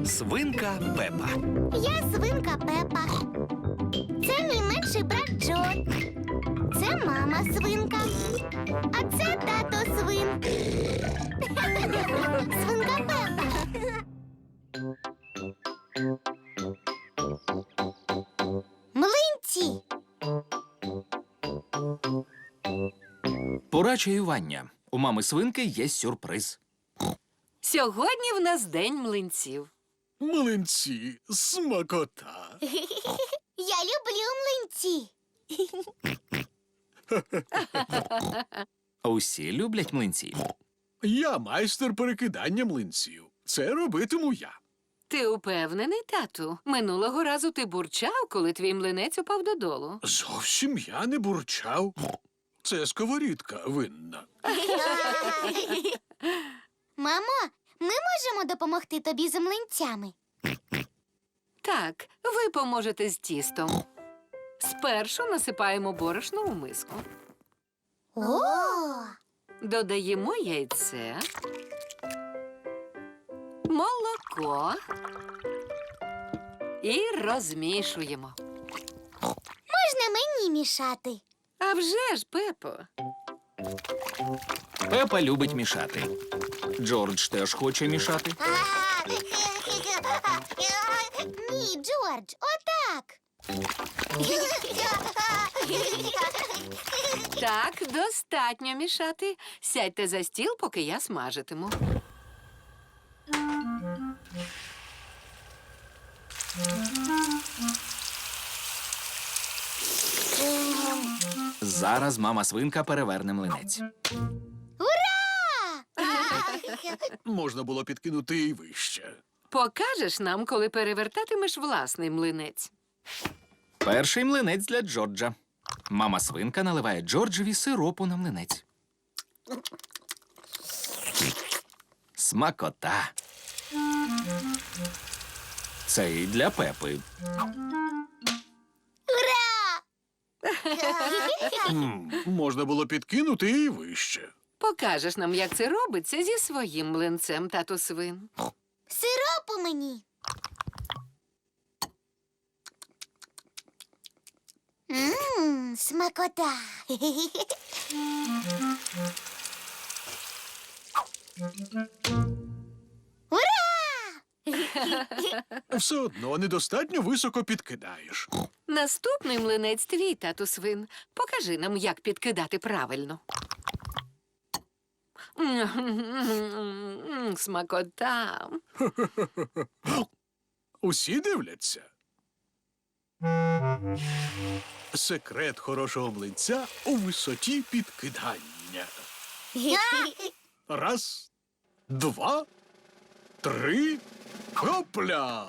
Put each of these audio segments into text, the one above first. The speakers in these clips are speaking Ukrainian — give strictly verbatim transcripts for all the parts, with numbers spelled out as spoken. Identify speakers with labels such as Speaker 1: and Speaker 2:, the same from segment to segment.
Speaker 1: Свинка Пепа.
Speaker 2: Я свинка Пепа. Це мій менший брат Джо. Це мама свинка. А це тато свин. Свинка Пепа. Млинці.
Speaker 1: Пора чаювання. У мами свинки є сюрприз.
Speaker 3: Сьогодні в нас день млинців.
Speaker 4: Млинці, смакота.
Speaker 2: Я люблю млинці.
Speaker 1: Усі люблять млинці.
Speaker 4: Я майстер перекидання млинців. Це робитиму я.
Speaker 3: Ти упевнений, тату? Минулого разу ти бурчав, коли твій млинець упав додолу.
Speaker 4: Зовсім я не бурчав. Це сковорідка винна.
Speaker 2: Мамо, ми можемо допомогти тобі з млинцями?
Speaker 3: Так, ви поможете з тістом. Спершу насипаємо борошно у миску.
Speaker 2: О!
Speaker 3: Додаємо яйце, молоко і розмішуємо.
Speaker 2: Можна мені мішати?
Speaker 3: А вже ж, Пепо.
Speaker 1: Пепа любить мішати. Джордж теж хоче мішати.
Speaker 2: Ні, Джордж, отак.
Speaker 3: Так, достатньо мішати. Сядьте за стіл, поки я смажитиму.
Speaker 1: Зараз мама свинка переверне млинець.
Speaker 2: Ура!
Speaker 4: Можна було підкинути і вище.
Speaker 3: Покажеш нам, коли перевертатимеш власний млинець.
Speaker 1: Перший млинець для Джорджа. Мама свинка наливає Джорджеві сиропу на млинець. Смакота. Це і для Пепи.
Speaker 2: Ура!
Speaker 4: М, Можна було підкинути і вище.
Speaker 3: Покажеш нам, як це робиться зі своїм млинцем, тату свин.
Speaker 2: Сиропу мені. Ммм, смакота. Ура!
Speaker 4: Все одно недостатньо високо підкидаєш.
Speaker 3: Наступний млинець твій, тату свин. Покажи нам, як підкидати правильно. М, Смакота.
Speaker 4: Усі дивляться. Секрет хорошого млинця у висоті підкидання. Раз, два, три, хопля!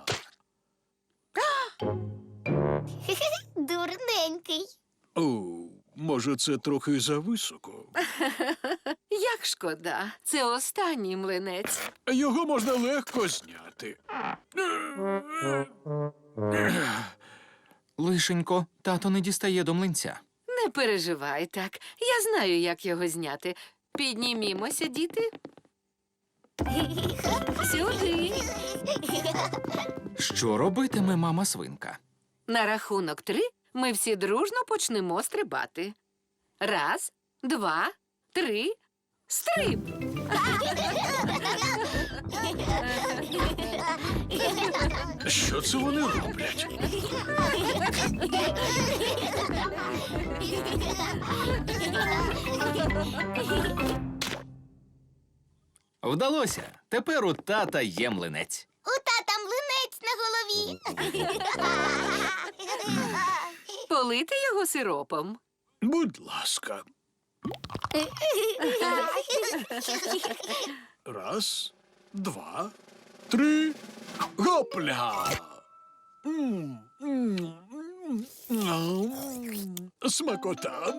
Speaker 2: Дурненький.
Speaker 4: О, може, це трохи зависоко.
Speaker 3: Як шкода. Це останній млинець.
Speaker 4: Його можна легко зняти.
Speaker 1: Лишенько, тато не дістає до млинця.
Speaker 3: Не переживай так. Я знаю, як його зняти. Піднімімося, діти. Сюди.
Speaker 1: Що робитиме мама свинка?
Speaker 3: На рахунок три ми всі дружно почнемо стрибати. Раз, два, три, стриб!
Speaker 4: Що це вони роблять?
Speaker 1: Вдалося. Тепер у тата є млинець.
Speaker 2: У тата млинець на голові.
Speaker 3: Полити його сиропом.
Speaker 4: Будь ласка. Раз, два, три, гопля! М, м, м, м. Смакота.